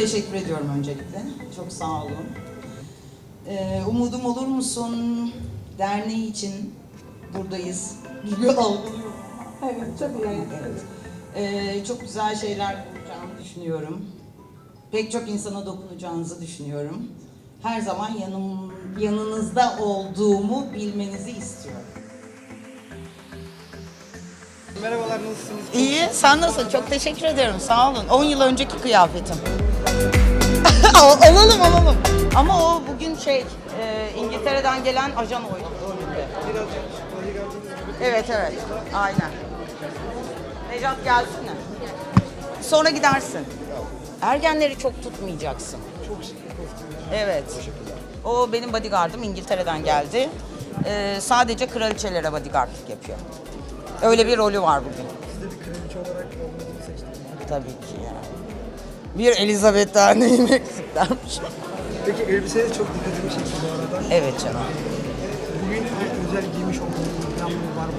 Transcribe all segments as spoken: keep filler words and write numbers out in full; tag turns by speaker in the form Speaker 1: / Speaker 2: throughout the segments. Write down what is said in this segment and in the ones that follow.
Speaker 1: teşekkür ediyorum öncelikle. Çok sağ olun. Ee, Umudum Olur Musun derneği için buradayız gibi algılıyorum.
Speaker 2: Evet, tabii yani.
Speaker 1: Evet. Ee, çok güzel şeyler olacağını düşünüyorum. Pek çok insana dokunacağınızı düşünüyorum. Her zaman yanım, yanınızda olduğumu bilmenizi istiyorum.
Speaker 3: Merhabalar, nasılsınız?
Speaker 1: İyi, sen nasılsın? Çok teşekkür ederim, sağ olun. on yıl önceki kıyafetim. alalım alalım. Ama o bugün şey, e, İngiltere'den gelen ajan oyunu. Evet evet, aynen. Necat gelsene. Sonra gidersin. Ergenleri çok tutmayacaksın.
Speaker 3: Çok şık bir kostüm.
Speaker 1: Evet. O benim bodyguardım, İngiltere'den geldi. Ee, sadece kraliçelere bodyguardlık yapıyor. Öyle bir rolü var bugün.
Speaker 3: Siz de bir kraliçe olarak olmanızı seçtiniz.
Speaker 1: Tabii ki ya. Bir Elizabeth Derneği'nin eksiklermiş.
Speaker 3: Peki elbiseniz çok dikkatimi çekti bu arada.
Speaker 1: Evet canım.
Speaker 3: Bugün özel giymiş olduğunuz bir planınız var mı?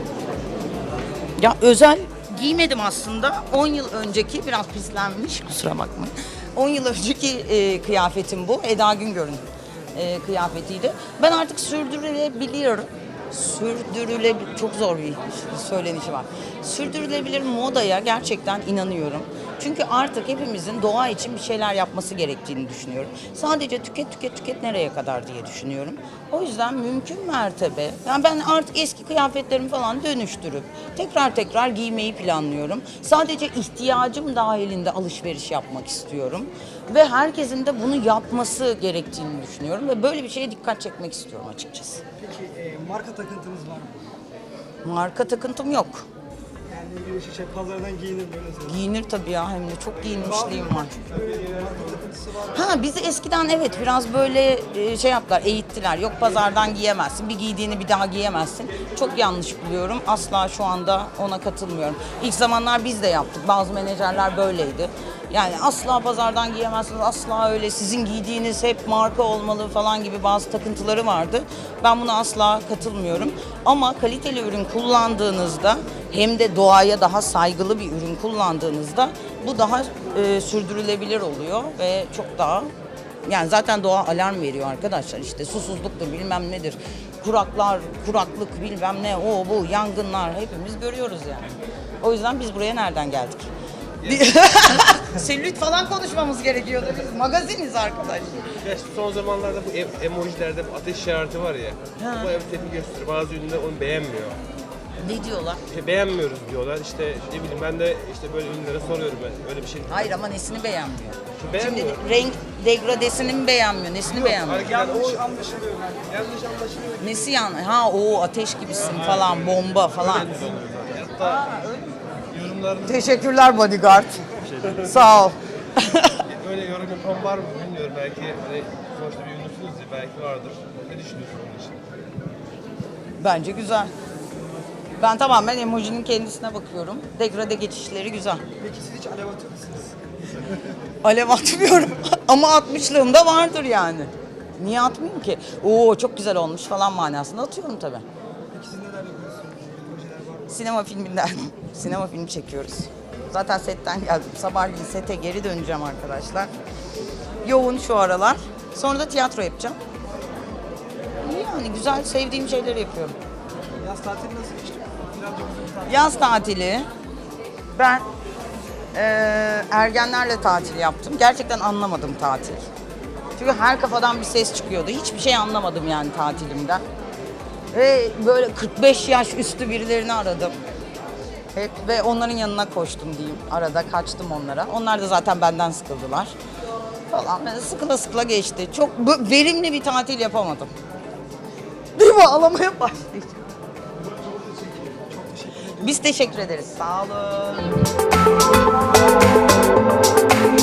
Speaker 1: Ya özel giymedim aslında. on yıl önceki, biraz pislenmiş, kusura bakmayın. on yıl önceki e, kıyafetim bu. Eda Güngör'ün e, kıyafetiydi. Ben artık sürdürülebiliyorum. Sürdürülebilir, çok zor bir söylenişi var. Sürdürülebilir modaya gerçekten inanıyorum. Çünkü artık hepimizin doğa için bir şeyler yapması gerektiğini düşünüyorum. Sadece tüket tüket tüket nereye kadar diye düşünüyorum. O yüzden mümkün mertebe, yani ben artık eski kıyafetlerimi falan dönüştürüp tekrar tekrar giymeyi planlıyorum. Sadece ihtiyacım dahilinde alışveriş yapmak istiyorum. Ve herkesin de bunu yapması gerektiğini düşünüyorum. Ve böyle bir şeye dikkat çekmek istiyorum açıkçası.
Speaker 3: Peki e, marka takıntınız var mı?
Speaker 1: Marka takıntım yok.
Speaker 3: Yani bir şey pazardan giyinir böyle söyleyeyim.
Speaker 1: Giyinir tabii ya, hem de çok giyinmişliğim var.
Speaker 3: Böyle marka takıntısı var mı?
Speaker 1: Ha, bizi eskiden evet biraz böyle e, şey yaptılar, eğittiler. Yok pazardan giyemezsin, bir giydiğini bir daha giyemezsin. Çok yanlış buluyorum. Asla şu anda ona katılmıyorum. İlk zamanlar biz de yaptık. Bazı menajerler böyleydi. Yani asla pazardan giyemezsiniz, asla öyle sizin giydiğiniz hep marka olmalı falan gibi bazı takıntıları vardı. Ben buna asla katılmıyorum. Ama kaliteli ürün kullandığınızda hem de doğaya daha saygılı bir ürün kullandığınızda bu daha e, sürdürülebilir oluyor ve çok daha, yani zaten doğa alarm veriyor arkadaşlar, işte susuzluktur bilmem nedir, kuraklar, kuraklık bilmem ne, o bu yangınlar hepimiz görüyoruz yani. O yüzden biz buraya nereden geldik? Selülit falan konuşmamız gerekiyordu. Biz magaziniz arkadaş.
Speaker 4: Ya işte son zamanlarda bu em- emojilerde bu ateş işareti var ya.
Speaker 1: Ha.
Speaker 4: Bu hem tepki gösteriyor. Bazı ünlüler onu beğenmiyor.
Speaker 1: Ne diyorlar?
Speaker 4: İşte beğenmiyoruz diyorlar. İşte ne bileyim ben de işte böyle ünlülere soruyorum ben. Öyle bir şey.
Speaker 1: Hayır ama nesini beğenmiyor?
Speaker 4: İşte beğenmiyor.
Speaker 1: Şimdi renk degradesini mi beğenmiyor? Nesini beğenmiyor?
Speaker 4: Hareketler o
Speaker 3: Yanlış anlaşılıyor.
Speaker 4: yanlış anlaşılıyor.
Speaker 1: Nesi yani? Ha o ateş gibisin falan, bomba falan.
Speaker 4: Hatta yorumlarında
Speaker 1: Teşekkürler bodyguard. Sağ ol.
Speaker 4: öyle yorum yapan var mı bilmiyorum. Belki hani sonuçta bir ünlüsünüz ya, belki vardır. Ne düşünüyorsun bunun için?
Speaker 1: Bence güzel. Ben tamamen emojinin kendisine bakıyorum. Degrade geçişleri güzel.
Speaker 3: Peki siz hiç alev atıyor musunuz?
Speaker 1: Alev atmıyorum ama atmışlığım da vardır yani. Niye atmayayım ki? Oo çok güzel olmuş falan manasında atıyorum tabii.
Speaker 3: Peki siz neler yapıyorsunuz? Projeler var mı?
Speaker 1: Sinema filminden, sinema filmi çekiyoruz. Zaten setten geldim. Sabahleyin sete geri döneceğim arkadaşlar. Yoğun şu aralar. Sonra da tiyatro yapacağım. İyi yani, güzel, sevdiğim şeyleri yapıyorum.
Speaker 3: Yaz tatili nasıl geçti? Birazcık uzun bir tatil.
Speaker 1: Yaz tatili. Ben eee, ergenlerle tatil yaptım. Gerçekten anlamadım tatil. Çünkü her kafadan bir ses çıkıyordu. Hiçbir şey anlamadım yani tatilimden. Ve böyle kırk beş yaş üstü birilerini aradım. Hep ve onların yanına koştum diyeyim. Arada kaçtım onlara. Onlar da zaten benden sıkıldılar. Falan böyle sıkıla sıkıla geçti. Çok bu- verimli bir tatil yapamadım. Değil mi? Ağlamaya başlayacağım. Biz teşekkür ederiz. Sağ olun.